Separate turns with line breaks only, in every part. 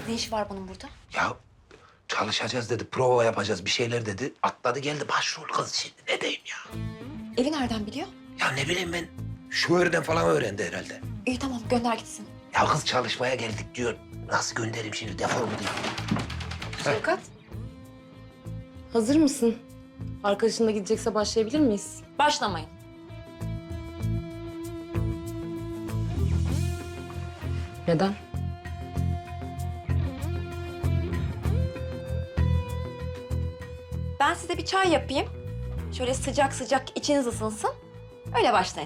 Ne iş var bunun burada?
Ya çalışacağız dedi, prova yapacağız bir şeyler dedi. Atladı geldi başrol kız şimdi ne diyeyim ya.
Evi nereden biliyor?
Ya ne bileyim ben, şoförden falan öğrendi herhalde.
İyi tamam gönder gitsin.
Ya kız çalışmaya geldik diyor. Nasıl göndereyim şimdi defol mu diyeyim?
Şevkat. Hazır mısın? Arkadaşın da gidecekse başlayabilir miyiz?
Başlamayın.
Neden?
Ben size bir çay yapayım. Şöyle sıcak sıcak içiniz ısınsın. Öyle başlayın.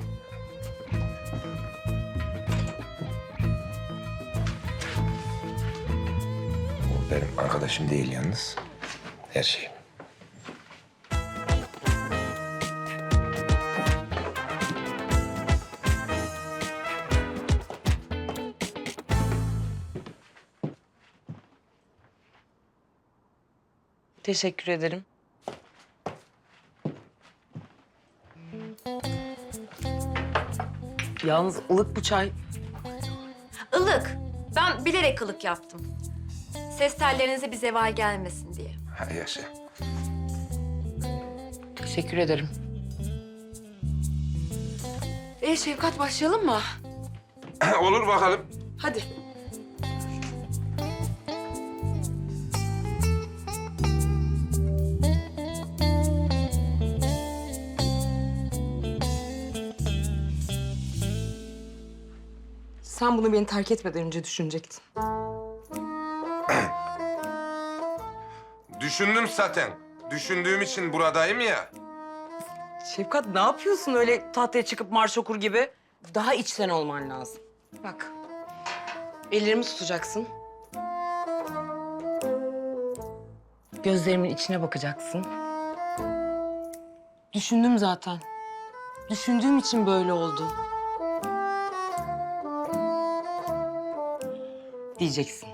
O benim arkadaşım değil yalnız. Her şey.
Teşekkür ederim. Yalnız ılık bu çay.
Ilık. Ben bilerek ılık yaptım. Ses tellerinize bir zeval gelmesin diye.
Ha yaşa.
Teşekkür ederim.
Şevkat başlayalım mı?
Olur bakalım.
Hadi. Sen bunu beni terk etmeden önce düşünecektin.
Düşündüm zaten. Düşündüğüm için buradayım ya.
Şevkat ne yapıyorsun öyle tahtaya çıkıp marş okur gibi? Daha içten olman lazım. Bak. Ellerimi tutacaksın. Gözlerimin içine bakacaksın. Düşündüm zaten. Düşündüğüm için böyle oldu. Diyeceksin.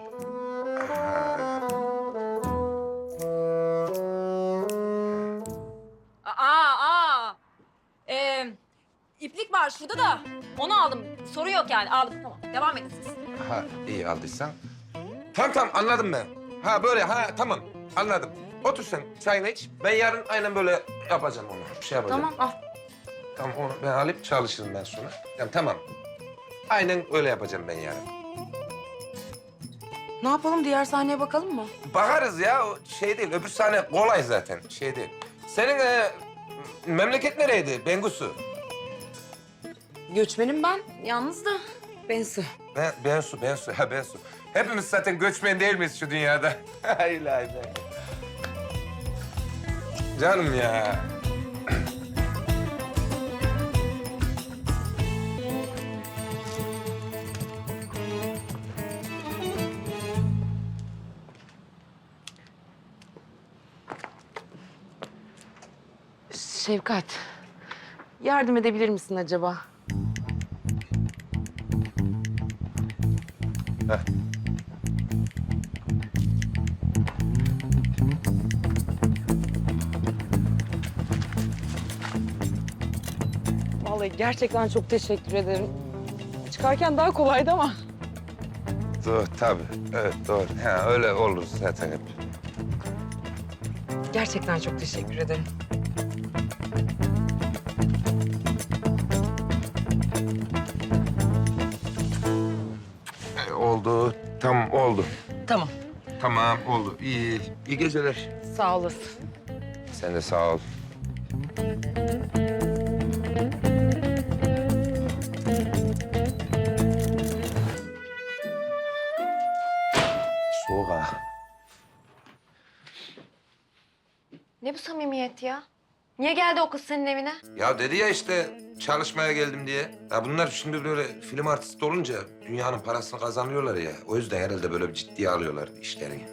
İplik var şurada da. Onu aldım. Soru yok yani. Aldım tamam. Devam edin siz.
Ha iyi aldıysan. Tamam anladım ben. Ha böyle tamam anladım. Otur sen çayını iç. Ben yarın aynen böyle yapacağım onu. Bir şey yapacağım.
Tamam al.
Tamam onu ben alıp çalışırım ben sonra. Tamam. Aynen öyle yapacağım ben yarın.
Ne yapalım? Diğer sahneye bakalım mı?
Bakarız ya o şey değil. Öbür sahne kolay zaten şey değil. Senin memleket nereydi Bengusu?
Göçmenim ben. Yalnız da Bensu.
Bensu. Ha Bensu. Hepimiz zaten göçmen değil miyiz şu dünyada? Hayır hayır. Canım ya.
Şevkat, yardım edebilir misin acaba?
Heh.
Vallahi gerçekten çok teşekkür ederim. Çıkarken daha kolaydı ama.
Doğru tabii. Evet doğru. Ha, öyle olur zaten hep.
Gerçekten çok teşekkür ederim.
Oldu. Tamam oldu.
Tamam,
Tamam oldu. İyi. İyi geceler.
sağ olasın.
Sen de sağ ol. Soğuk ha.
Ne bu samimiyet ya? Niye geldi o kız senin evine?
Ya dedi ya işte çalışmaya geldim diye. Ya bunlar şimdi böyle film artisti olunca dünyanın parasını kazanıyorlar ya. O yüzden herhalde böyle bir ciddiye alıyorlar işlerini.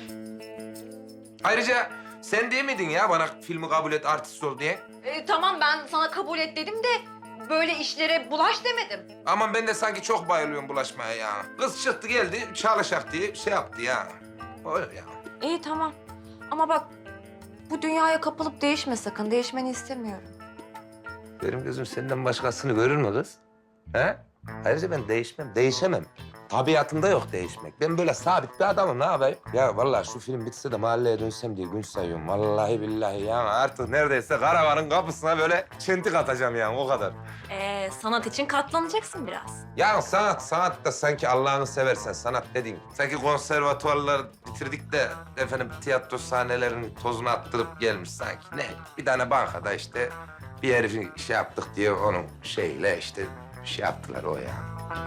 Ayrıca sen değil miydin ya bana filmi kabul et artist ol diye?
Tamam ben sana kabul et dedim de böyle işlere bulaş demedim.
Aman ben de sanki çok bayılıyorum bulaşmaya ya. Kız çıktı geldi çalışak diye şey yaptı ya. Öyle ya.
İyi tamam. Ama bak bu dünyaya kapılıp değişme sakın. Değişmeni istemiyorum.
Benim gözüm senden başkasını görür mü kız? He? Ayrıca ben değişmem, değişemem. Tabiatımda yok değişmek. Ben böyle sabit bir adamım, ne yapayım? Ya vallahi şu film bitse de mahalleye dönsem diye gün sayıyorum. Vallahi billahi ya artık neredeyse karavanın kapısına böyle çentik atacağım yani o kadar.
Sanat için katlanacaksın biraz.
Ya sanat da sanki Allah'ını seversen sanat dediğin. Sanki konservatuvarlar bitirdik de efendim tiyatro sahnelerinin tozunu attırıp gelmiş sanki. Ne? Bir tane bankada işte bir herifin şey yaptık diye onun şeyle işte şey yaptılar o ya.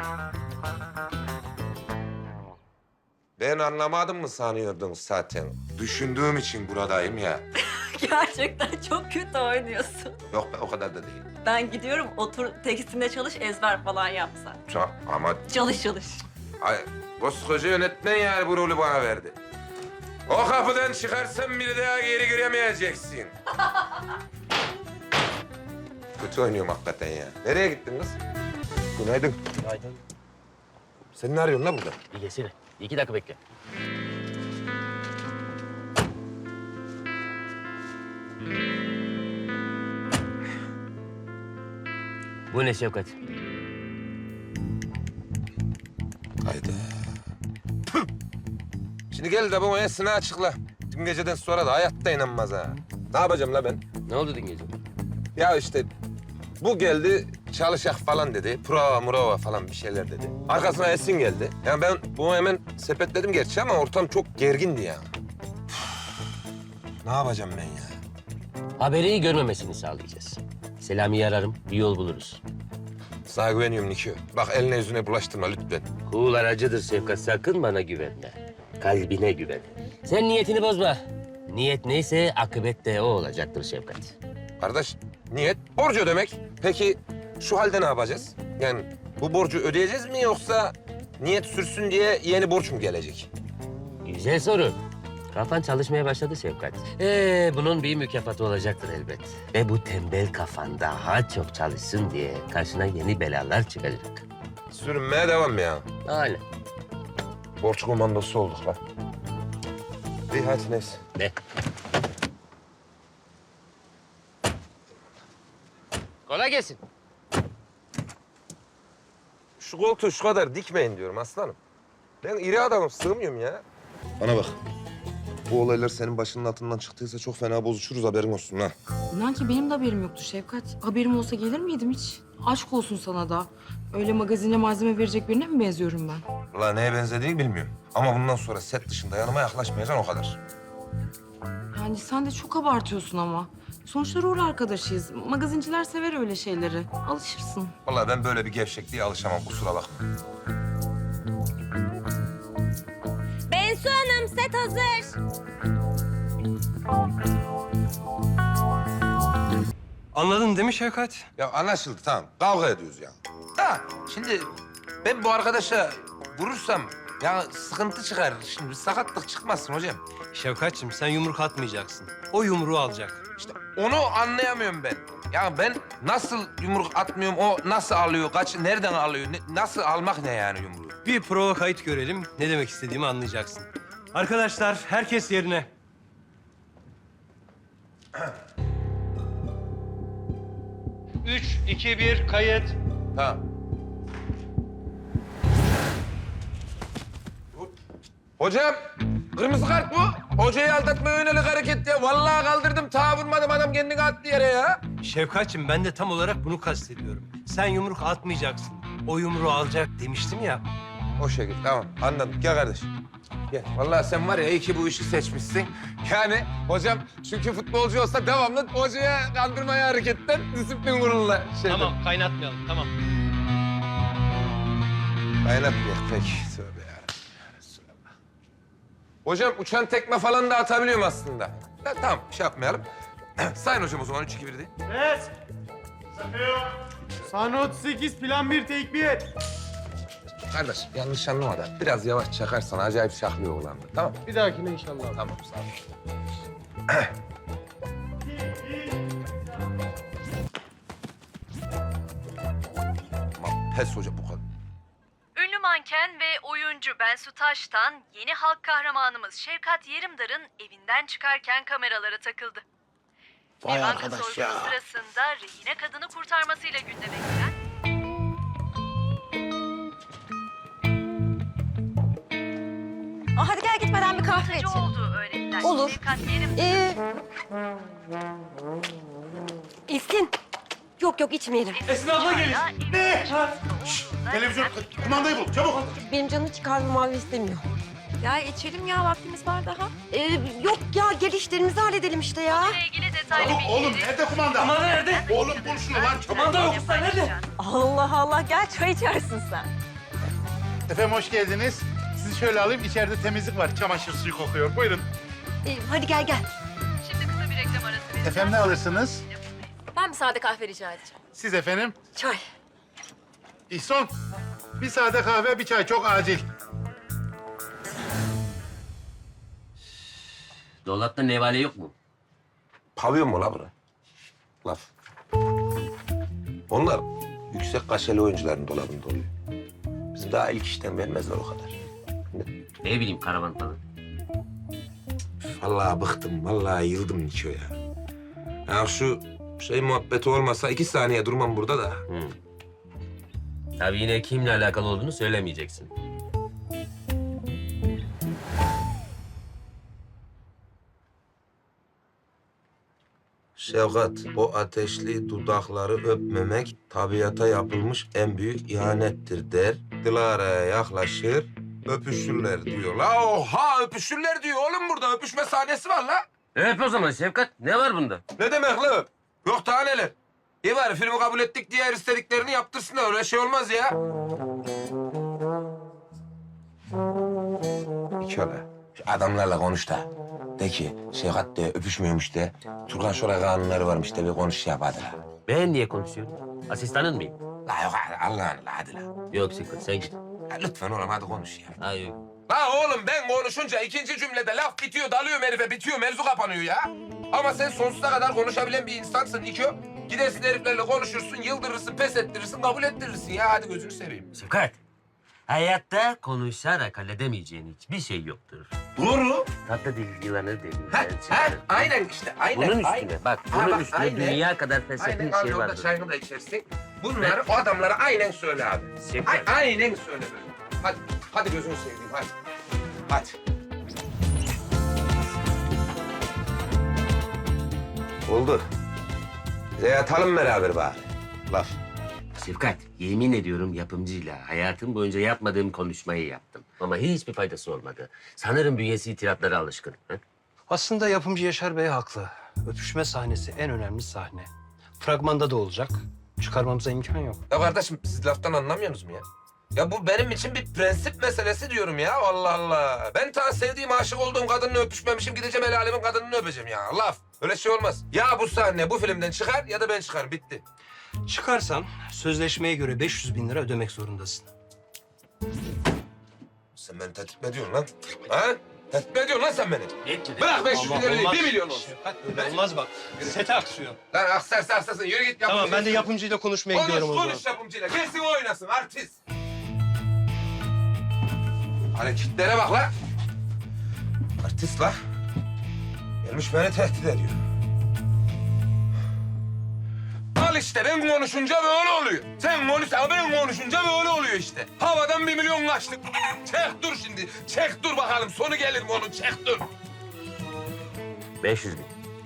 Ben anlamadım mı sanıyordunuz zaten? Düşündüğüm için buradayım ya.
Gerçekten çok kötü oynuyorsun.
Yok be o kadar da değil.
Ben gidiyorum, otur tekstinde çalış, ezber falan yapsan.
Ama
Çalış.
ay, koskoca yönetmen yani bu rolü bana verdi. O kapıdan çıkarsan bir daha geri göremeyeceksin. Kötü oynuyorum hakikaten ya. Nereye gittin kız? Günaydın.
Günaydın.
Sen ne arıyorsun la burada?
Bir gelsene. 2 dakika bekle. Bu ne Şevkat?
Hayda. Şimdi gel de bu esini açıkla. Dün geceden sonra da hayatta inanmaz ha. Ne yapacağım la ben?
Ne oldu dün gece?
Ya işte bu geldi çalışak falan dedi. Prova falan bir şeyler dedi. Arkasına Esin geldi. Yani ben bunu hemen sepetledim gerçi ama ortam çok gergindi ya. Ne yapacağım ben ya?
Haberi görmemesini sağlayacağız. Selami'yi ararım, bir yol buluruz.
Sana güveniyorum Nikio. Bak eline yüzüne bulaştırma lütfen.
Kul aracıdır Şevkat, sakın bana güvenme. Kalbine güven. Sen niyetini bozma. Niyet neyse akıbet de o olacaktır Şevkat.
Kardeş niyet borcu ödemek. Peki şu halde ne yapacağız? Yani bu borcu ödeyeceğiz mi yoksa niyet sürsün diye yeni borç mu gelecek?
Güzel soru. Kafan çalışmaya başladı Şevkat. Bunun bir mükafatı olacaktır elbet. Ve bu tembel kafan daha çok çalışsın diye karşına yeni belalar çıkacak.
Sürünmeye devam ya.
Aynen.
Borç komandosu olduk lan. İyi hadi neyse.
Ne? Kolay gelsin.
Şu koltuğu şu kadar dikmeyin diyorum aslanım. Ben iri adamım, sığmıyorum ya. Bana bak. Bu olaylar senin başının altından çıktıysa çok fena bozuşuruz, haberin olsun ha.
İnan ki benim de haberim yoktu Şevkat. Haberim olsa gelir miydim hiç? Aşk olsun sana da. Öyle magazine malzeme verecek birine mi benziyorum ben?
Ulan neye benzediğini bilmiyorum. Ama bundan sonra set dışında yanıma yaklaşmayacaksın o kadar.
Yani sen de çok abartıyorsun ama. Sonuçta rol arkadaşıyız. Magazinciler sever öyle şeyleri. Alışırsın.
Vallahi ben böyle bir gevşekliğe alışamam, kusura bakma.
Bensu Hanım, set hazır.
Anladın değil mi Şevkat?
Ya anlaşıldı tamam, kavga ediyoruz ya. Da şimdi ben bu arkadaşa vurursam ya sıkıntı çıkar. Şimdi bir sakatlık çıkmasın hocam.
Şevkatçığım sen yumruk atmayacaksın. O yumruğu alacak.
İşte onu anlayamıyorum ben. Ya ben nasıl yumruk atmıyorum, o nasıl alıyor, nereden alıyor, nasıl almak ne yani yumruğu?
Bir prova kayıt görelim. Ne demek istediğimi anlayacaksın. Arkadaşlar herkes yerine. Üç, iki, bir, kayıt.
Tamam. Hocam, kırmızı kart bu. Hocayı aldatmaya yönelik hareket ya. Vallahi kaldırdım, ta vurmadım, adam kendini attı yere ya.
Şevkatçığım ben de tam olarak bunu kastediyorum. Sen yumruk atmayacaksın. O yumruğu alacak demiştim ya.
O şekilde, tamam. Anladım. Gel kardeşim. Gel. Vallahi sen var ya iyi ki bu işi seçmişsin. Yani hocam çünkü futbolcu olsa devamlı hocaya kandırmaya hareketten disiplin kuruluna şeyden.
Tamam kaynatmayalım tamam.
Kaynatmıyor peki. Tövbe yarabbim. Resulallah. Hocam uçan tekme falan da atabiliyorum aslında. Ya, tamam şey yapmayalım. Sayın hocam o zaman 3 2 1 değil.
Evet. Sahne 38, plan 1, take 1.
Kardeş yanlış anlama da biraz yavaş çakarsan acayip şahlıyor oğlandı. Tamam.
Bir dahakine inşallah.
Tamam sağ ol. Aman pes hocam bu kadar.
Ünlü manken ve oyuncu Bensu Taş'tan yeni halk kahramanımız Şevkat Yerimdar'ın evinden çıkarken kameralara takıldı.
Vay
Banka
arkadaş
soygunu
ya.
sırasında rehine kadını kurtarmasıyla gündeme gelen
Eve gitmeden bir kahve
Sıkıcı
içelim.
olduğu öğrenilen
Olur.
Şefkat Yerimdar'ın
İlkin. Yok içmeyelim.
Esin abla gelir. Ne?
televizyon
Kumandayı bul çabuk.
Benim canım hiç kahve mavi istemiyor.
Ya içelim ya, vaktimiz var daha. Yok ya, gel işlerimizi halledelim işte ya.
ile ilgili detaylı
Çabuk oğlum
bilgileri...
nerede kumanda?
Kumanda nerede?
Oğlum bul şunu lan çabuk.
Kumanda yok usta nerede?
Allah Allah, gel çay içersin sen.
Efendim hoş geldiniz. Sizi şöyle alayım içeride temizlik var. Çamaşır suyu kokuyor. Buyurun.
Hadi gel.
Şimdi kısa bir reklam arası vereceğim.
Efendim ne alırsınız?
Ben bir sade kahve rica edeceğim.
Siz efendim?
Çay.
İhsan. Bir sade kahve bir çay çok acil.
Dolapta nevale yok mu?
Pavyon mu la bura? Laf. Onlar yüksek kaşeli oyuncuların dolabında oluyor. Bizim daha ilk işten vermezler o kadar.
Ne bileyim karavan falan.
Vallahi bıktım, vallahi yıldım Niko ya. Ya şu şey muhabbeti olmasa 2 saniye durmam burada da.
Tabii yine kimle alakalı olduğunu söylemeyeceksin.
Şevkat, o ateşli dudakları öpmemek tabiata yapılmış en büyük ihanettir der. Dilara'ya yaklaşır, öpüşürler diyor. La oha öpüşürler diyor oğlum burada. Öpüşme sahnesi var la.
Öp o zaman Şefkat. Ne var bunda?
Ne demek la öp? Yok daha neler. İyi bari filmi kabul ettik diye her istediklerini yaptırsınlar. Öyle şey olmaz ya. Şöyle şu adamlarla konuş da. De ki Şevkat de öpüşmüyormuş de. Turgan Şoray kanunları varmış de bir konuş şey yap hadi la.
Ben niye konuşuyorum? Asistanın mıyım?
La yok Allah'ın la hadi la.
Yok Şefkat sen git.
Ya lütfen oğlum hadi konuş ya.
Hayır.
La oğlum ben konuşunca ikinci cümlede laf bitiyor, dalıyorum herife, bitiyor, mevzu kapanıyor ya. Ama sen sonsuza kadar konuşabilen bir insansın Niko. Gidersin heriflerle konuşursun, yıldırırsın, pes ettirirsin, kabul ettirirsin ya. Hadi gözünü seveyim.
Şefkat. Hayatta konuşarak halledemeyeceğin hiçbir şey yoktur.
Doğru.
Tatlı dil yılanı dedim.
Ha,
ben
ha,
sana.
aynen işte, aynen.
Bunun
aynen.
üstüne bak,
Ha,
bunun
bak,
üstüne
aynen.
dünya kadar felsefi
Aynen,
bir
al
şey
yolda
vardır.
çayını da içersin. Bunları o adamlara aynen söyle abi.
Şefkat.
Aynen söyle böyle. Hadi gözünü seveyim, hadi. Hadi. Oldu. Bize yatalım beraber bari. Laf.
Şefkat, yemin ediyorum yapımcıyla hayatım boyunca yapmadığım konuşmayı yaptım. Ama hiçbir faydası olmadı. Sanırım bünyesi itiratlara alışkın. Ha?
Aslında yapımcı Yaşar Bey haklı. Öpüşme sahnesi en önemli sahne. Fragmanda da olacak. Çıkarmamıza imkan yok.
Ya kardeşim siz laftan anlamıyorsunuz mu ya? Ya bu benim için bir prensip meselesi diyorum ya. Allah Allah. Ben ta sevdiğim, aşık olduğum kadınla öpüşmemişim. Gideceğim el alemin kadınını öpeceğim ya. Laf. Öyle şey olmaz. Ya bu sahne bu filmden çıkar ya da ben çıkarım. Bitti.
Çıkarsan sözleşmeye göre 500.000 lira ödemek zorundasın.
Sen beni tehdit mi ediyorsun lan? Ha? Tehdit mi ediyorsun lan sen beni?
Etmedi.
Bırak 500 bin
Ama
lira değil,
olmaz.
1 milyon olsun.
Şefkat öyle olmaz bak. Sete aksıyor.
Lan aksarsa aksasın. Yürü git yapımcı.
Tamam ben de yapımcıyla konuşmaya gidiyorum o zaman.
Konuş yapımcıyla. Gelsin o oynasın artist. Hareketlere bak la. Artist la. Gelmiş beni tehdit ediyor. Al işte ben konuşunca böyle oluyor. Sen konuşsa ben konuşunca böyle oluyor işte. Havadan 1 milyon kaçtık. Çek dur şimdi. Çek dur bakalım. Sonu gelir mi onun? Çek dur.
500.000.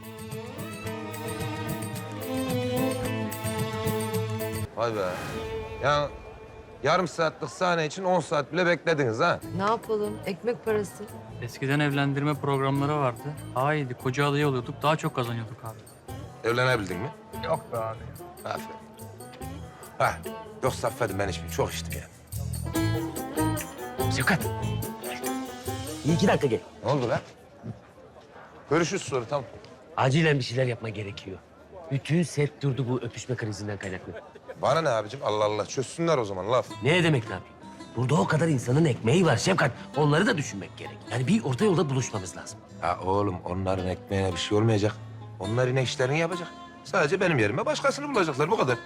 Vay be. Ya yarım saatlik sahne için 10 saat bile beklediniz ha.
Ne yapalım? Ekmek parası.
Eskiden evlendirme programları vardı. Daha iyiydi. Koca adayı oluyorduk. Daha çok kazanıyorduk abi.
Evlenebildin mi?
Yok be abi.
Aferin. Ha, yoksa affedin ben içmeyeyim. Çok içtim ya.
Şefkat. İyi 2 dakika gel.
Ne oldu lan? Görüşürüz sonra tamam.
Acilen bir şeyler yapma gerekiyor. Bütün set durdu bu öpüşme krizinden kaynaklı.
Bana ne abicim? Allah Allah. Çözsünler o zaman laf.
Ne demek ne yapayım? Burada o kadar insanın ekmeği var Şefkat. Onları da düşünmek gerek. Yani bir orta yolda buluşmamız lazım.
Ha oğlum onların ekmeğine bir şey olmayacak. Onlar yine işlerini yapacak. Sadece benim yerime başkasını bulacaklar. Bu kadar.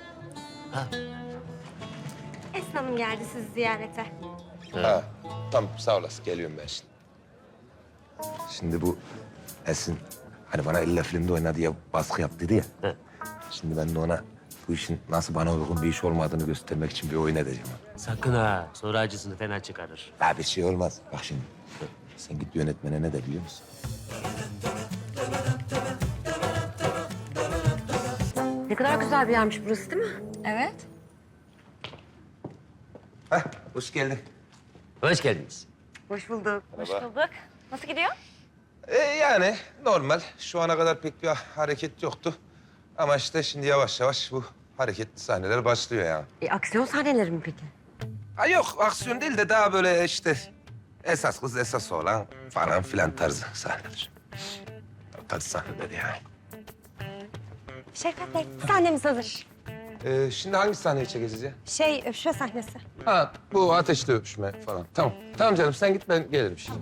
Esin Hanım geldi sizi ziyarete.
Ha. Tamam sağ olasın. Geliyorum ben şimdi. Şimdi bu Esin hani bana illa filmde oyna diye baskı yap dedi ya.
He.
Şimdi ben de ona bu işin nasıl bana uygun bir iş olmadığını göstermek için bir oyun edeceğim.
Sakın ha. Sonra acısını fena çıkarır.
Ya bir şey olmaz. Bak şimdi. Sen git yönetmene ne de biliyor musun?
Ne kadar güzel bir yermiş burası değil mi?
Evet.
Heh, hoş geldin.
Hoş geldiniz.
Hoş bulduk.
Hoş bulduk. Nasıl gidiyor?
Yani normal. Şu ana kadar pek bir hareket yoktu. Ama işte şimdi yavaş yavaş bu hareketli sahneler başlıyor yani.
Aksiyon sahneleri mi peki?
Ha yok, aksiyon değil de daha böyle işte esas kız esas olan falan filan tarzı sahneler. O tarz sahneler yani.
Şevkat Bey, sahnemiz hazır.
Şimdi hangi sahneyi çekeceğiz ya?
Öpüşme sahnesi.
Ha, bu ateşli öpüşme falan. Tamam. Tamam canım, sen git, ben gelirim şimdi.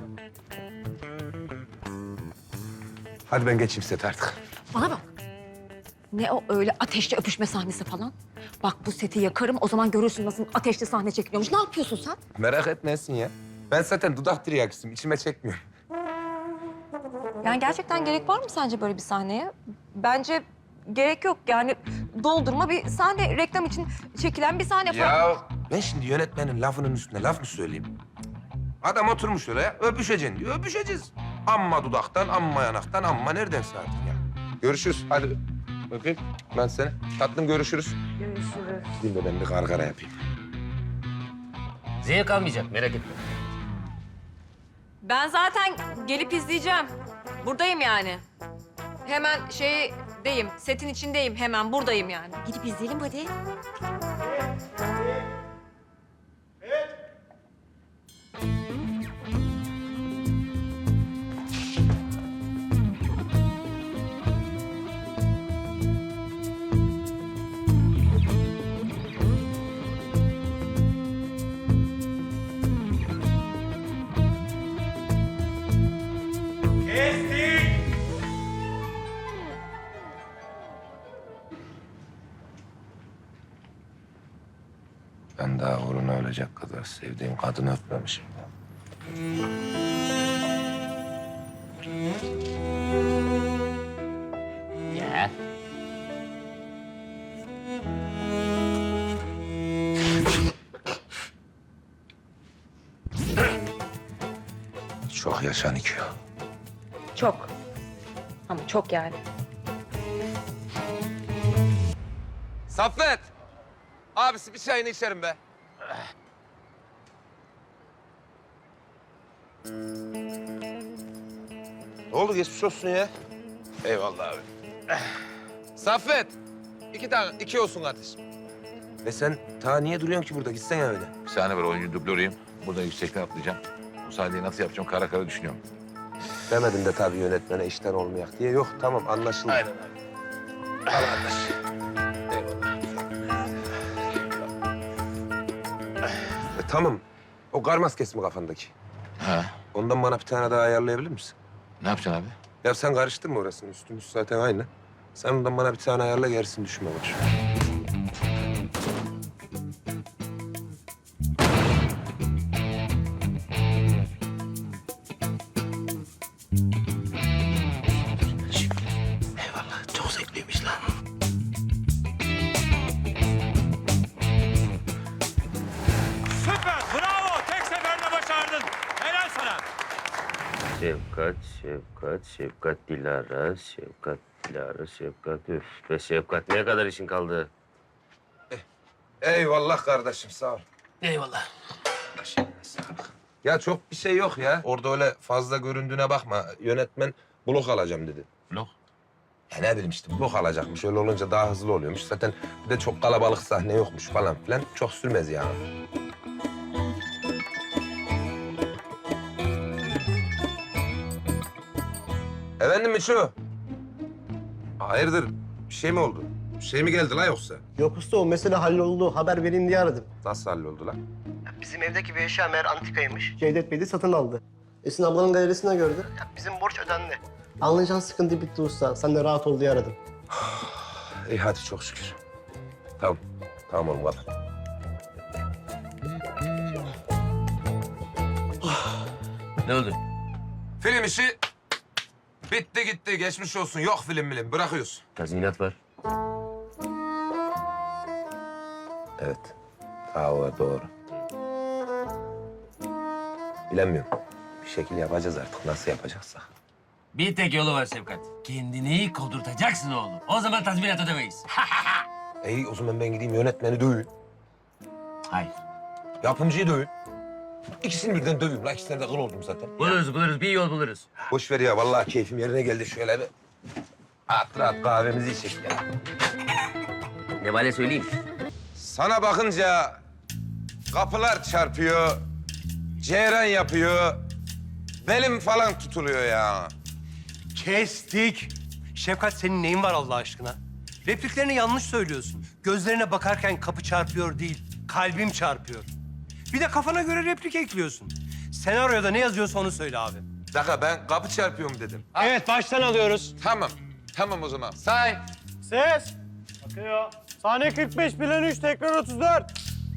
Hadi ben geçeyim set artık.
Bana bak. Ne o öyle ateşli öpüşme sahnesi falan? Bak bu seti yakarım, o zaman görürsün nasıl ateşli sahne çekiliyormuş. Ne yapıyorsun sen?
Merak etmesin ya. Ben zaten dudak tiryakisiyim, içime çekmiyorum.
Yani gerçekten gerek var mı sence böyle bir sahneye? Bence gerek yok. Yani doldurma bir sahne, reklam için çekilen bir sahne falan.
Ya ben şimdi yönetmenin lafının üstüne laf mı söyleyeyim? Adam oturmuş oraya, öpüşeceksin diyor, öpüşeceğiz. Amma dudaktan, amma yanaktan, amma neredense artık ya. Görüşürüz, hadi öpeyim ben seni. Tatlım, görüşürüz.
Görüşürüz.
Gideyim de ben bir gargara yapayım.
Zevk almayacak, merak etme.
Ben zaten gelip izleyeceğim. Buradayım yani. Hemen şeydeyim, setin içindeyim. Hemen buradayım yani.
Gidip izleyelim hadi.
Ben daha uğruna ölecek kadar sevdiğim kadını öpmemişim.
Ya.
Çok yaşa Nikio.
Çok. Ama çok yani.
Saffet! Abisi bir çayını içerim be. Ne oldu, geçmiş olsun ya. Eyvallah abi. Saffet! iki olsun kardeşim. Ve sen ta niye duruyorsun ki burada? Gitsene öyle.
Bir saniye var, oyuncu dublörüyüm. Buradan yüksekten atlayacağım. Bu sahneyi nasıl yapacağım kara kara düşünüyorum.
Demedim de tabii yönetmene işten olmayak diye. Yok, tamam, anlaşıldı. Aynen abi. Al kardeş. Tamam. O kar maskesi mi kafandaki?
Ha,
Ondan bana bir tane daha ayarlayabilir misin?
ne yapacaksın abi?
Ya sen karıştırma orasını. Üstümüz zaten aynı. Sen ondan bana bir tane ayarla, gerisini düşünme boş. Eyvallah. Çok zevkliymiş lan.
Süper, bravo. Tek seferde başardın. Helal sana.
Şefkat, Şefkat, Şefkat Dilara, Şefkat Dilara, Şefkat. Üf be Şefkat, ne kadar işin kaldı?
Eyvallah kardeşim, sağ ol.
Eyvallah.
Başına sağlık. Ya çok bir şey yok ya. Orada öyle fazla göründüğüne bakma. Yönetmen blok alacağım dedi.
Blok?
Ya ne bileyim işte, blok alacakmış. Öyle olunca daha hızlı oluyormuş. Zaten bir de çok kalabalık sahne yokmuş falan filan. Çok sürmez yani. Efendim Miço? Hayırdır? Bir şey mi oldu? Bir şey mi geldi la yoksa?
Yok usta, o mesele halloldu. Haber vereyim diye aradım.
Nasıl halloldu la?
Bizim evdeki bir eşya meğer antikaymış. Cevdet Bey de satın aldı. Esin ablanın galerisinde gördü. Bizim borç ödendi. Anlayacağın sıkıntı bitti usta. Sen de rahat ol diye aradım.
İyi hadi çok şükür. Tamam. Tamam oğlum kapat.
Ne oldu?
Film işi bitti gitti. Geçmiş olsun. Yok film bilim. Bırakıyoruz.
Tazminat var.
Evet. Ha, o var, doğru. Bilemiyorum.
Bir şekil yapacağız artık. Nasıl yapacaksak.
Bir tek yolu var Şefkat. Kendini kovdurtacaksın oğlum. O zaman tazminat ödemeyiz.
İyi o zaman ben gideyim yönetmeni döveyim.
Hayır.
Yapımcıyı döveyim. İkisini birden döveyim. La ikisine de kıl oldum zaten.
Buluruz. Bir yol buluruz.
Boş ver ya. Vallahi keyfim yerine geldi. Şöyle bir rahat kahvemizi içelim ya.
Ne vale söyleyeyim?
Sana bakınca kapılar çarpıyor, ceyran yapıyor, belim falan tutuluyor ya.
Kestik. Şefkat senin neyin var Allah aşkına? Repliklerini yanlış söylüyorsun. Gözlerine bakarken kapı çarpıyor değil, kalbim çarpıyor. Bir de kafana göre replik ekliyorsun. Senaryoda ne yazıyorsa onu söyle abi.
Bir dakika ben kapı çarpıyorum dedim.
Evet, baştan alıyoruz.
Tamam o zaman. Say.
Ses. Bakıyor. Sahne 45, plan 3, tekrar 34.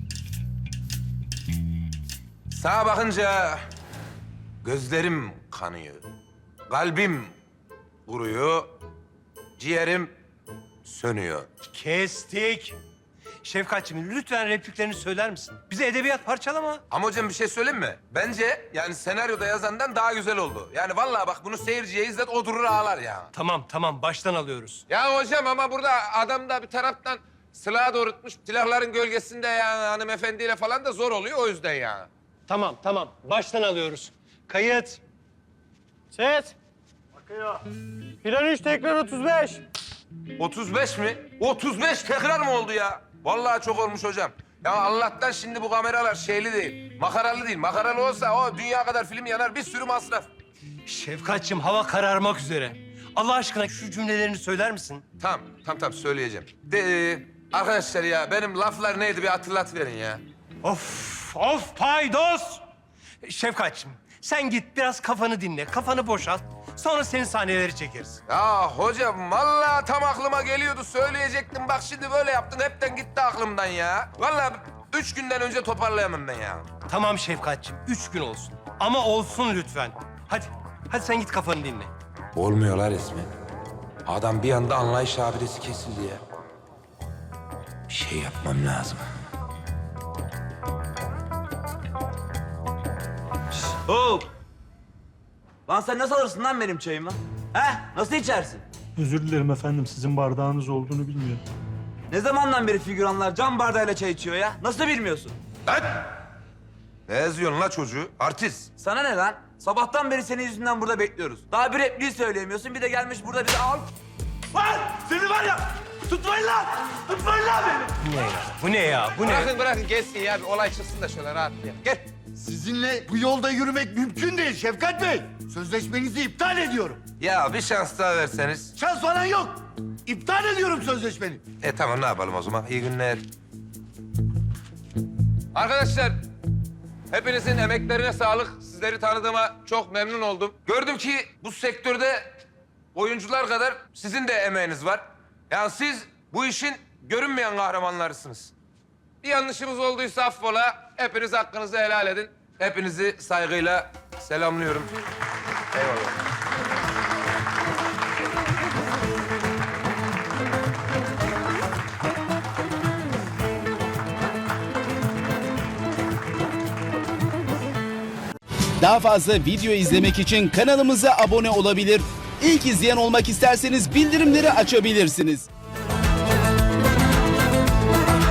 Sağa bakınca gözlerim kanıyor. Kalbim kuruyor, ciğerim sönüyor.
Kestik. Şefkatciğim lütfen repliklerini söyler misin? Bize edebiyat parçalama.
Ama hocam bir şey söyleyeyim mi? Bence yani senaryoda yazandan daha güzel oldu. Yani vallahi bak bunu seyirciye izlet o durur ağlar ya.
Tamam baştan alıyoruz.
Ya hocam ama burada adam da bir taraftan silahı doğrultmuş. Silahların gölgesinde yani hanımefendiyle falan da zor oluyor o yüzden ya.
Tamam baştan alıyoruz. Kayıt.
Ses. Bakıyor. Plan 3, tekrar 35.
35 mi? 35 tekrar mı oldu ya? Vallahi çok olmuş hocam. Ya Allah'tan şimdi bu kameralar şeyli değil, makaralı değil. Makaralı olsa o dünya kadar film yanar, bir sürü masraf.
Şefkatciğim hava kararmak üzere. Allah aşkına şu cümlelerini söyler misin?
Tamam söyleyeceğim. Arkadaşlar ya benim laflar neydi bir hatırlatıverin ya.
Of paydos! Şefkatciğim sen git biraz kafanı dinle, kafanı boşalt. Sonra senin sahneleri çekeriz.
Ya hocam vallahi tam aklıma geliyordu söyleyecektim. Bak şimdi böyle yaptın hepten gitti aklımdan ya. Vallahi 3 günden önce toparlayamam ben ya.
Tamam Şefkatciğim, 3 gün olsun. Ama olsun lütfen. Hadi sen git kafanı dinle.
Olmuyorlar resmen. Adam bir anda anlayış abidesi kesildi ya. Bir şey yapmam lazım.
Hop! Lan sen nasıl alırsın lan benim çayımı? He? Nasıl içersin?
Özür dilerim efendim. Sizin bardağınız olduğunu bilmiyorum.
Ne zamandan beri figüranlar cam bardağıyla çay içiyor ya? Nasıl bilmiyorsun?
Lan! Ne yazıyorsun la çocuğu? Artist.
Sana ne lan? Sabahtan beri senin yüzünden burada bekliyoruz. Daha bir repliği söyleyemiyorsun. Bir de gelmiş burada bizi al. Lan! Seni var ya! Tutmayın lan! Tutmayın lan beni!
Bu ne ya?
Bırakın gelsin ya bir olay çıksın da şöyle rahat ya. Gel.
Sizinle bu yolda yürümek mümkün değil Şefkat Bey. Sözleşmenizi iptal ediyorum.
Ya bir şans daha verseniz.
Şans falan yok. İptal ediyorum sözleşmeni.
Tamam ne yapalım o zaman? İyi günler. Arkadaşlar hepinizin emeklerine sağlık. Sizleri tanıdığıma çok memnun oldum. Gördüm ki bu sektörde oyuncular kadar sizin de emeğiniz var. Yani siz bu işin görünmeyen kahramanlarısınız. Bir yanlışımız olduysa affola. Hepiniz hakkınızı helal edin. Hepinizi saygıyla selamlıyorum. Eyvallah.
Daha fazla video izlemek için kanalımıza abone olabilir. İlk izleyen olmak isterseniz bildirimleri açabilirsiniz.